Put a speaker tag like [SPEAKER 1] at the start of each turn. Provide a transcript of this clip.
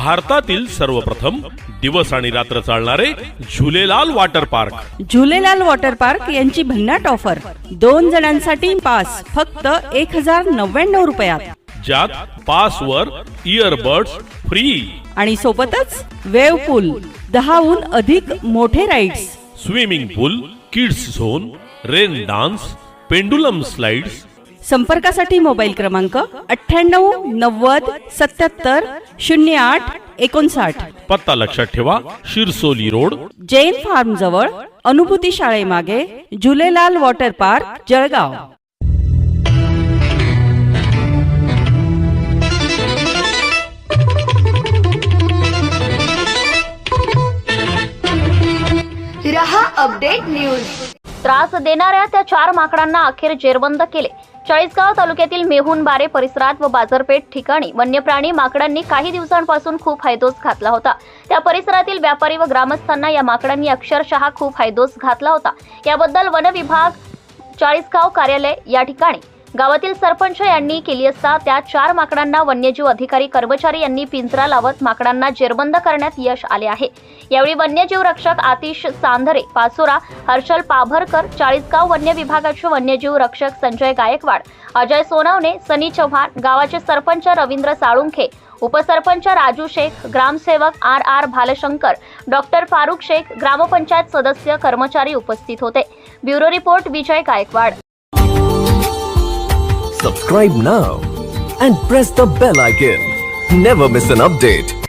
[SPEAKER 1] भारतातील सर्वप्रथम दिवस आणि रात्र चालणारे Jhulelal water park.
[SPEAKER 2] Jhulelal water park यांची भन्नाट ऑफर, 2 जणांसाठी पास फक्त 1099 रुपयात,
[SPEAKER 1] ज्यात पास वर इयरबड्स फ्री
[SPEAKER 2] आणि सोबतच वेव पूल, 10हून अधिक मोठे rides,
[SPEAKER 1] swimming pool, kids zone, rain dance, pendulum slides.
[SPEAKER 2] संपर्कासाठी मोबाईल क्रमांक 98 90 77 08 59।
[SPEAKER 1] पत्ता लक्षात ठेवा, शिरसोली रोड,
[SPEAKER 2] जैन फार्म जवळ, अनुभूती शाळेमागे, झुलेलाल वॉटर पार्क, जळगाव।
[SPEAKER 3] रहा अपडेट न्यूज।
[SPEAKER 4] त्रास देणाऱ्या त्या 4 माकडांना अखेर जेरबंद केले। चाळीसगाव तालुक्यातील मेहुणबारे परिसरात व बाजारपेठ ठिकाणी वन्यप्राणी माकडांनी काही दिवसांपासून खूप हैदोस घातला होता। त्या परिसरातील व्यापारी व ग्रामस्थांना या माकडांनी अक्षरशः खूप हैदोस घातला होता। याबद्दल वन विभाग चाळीसगाव कार्यालय या ठिकाणी गावातील सरपंच यांनी केली असता त्या 4 माकडांना वन्यजीव अधिकारी कर्मचारी यांनी पिंजरा लावत माकडांना जेरबंद करण्यात यश आले आहे। यावेळी वन्यजीव रक्षक आतिश सांधरे पाचोरा, हर्षल पाभरकर, चाळीसगाव वन्य विभागाचे वन्यजीव रक्षक संजय गायकवाड, अजय सोनवणे, सनी चव्हाण, गावाचे सरपंच रवींद्र साळुंखे, उपसरपंच राजू शेख, ग्रामसेवक आर भालशंकर, डॉक्टर फारुख शेख, ग्रामपंचायत सदस्य, कर्मचारी उपस्थित होते। Bureau report Vijay Gaikwad.
[SPEAKER 5] Subscribe now and press the bell icon. Never miss an update.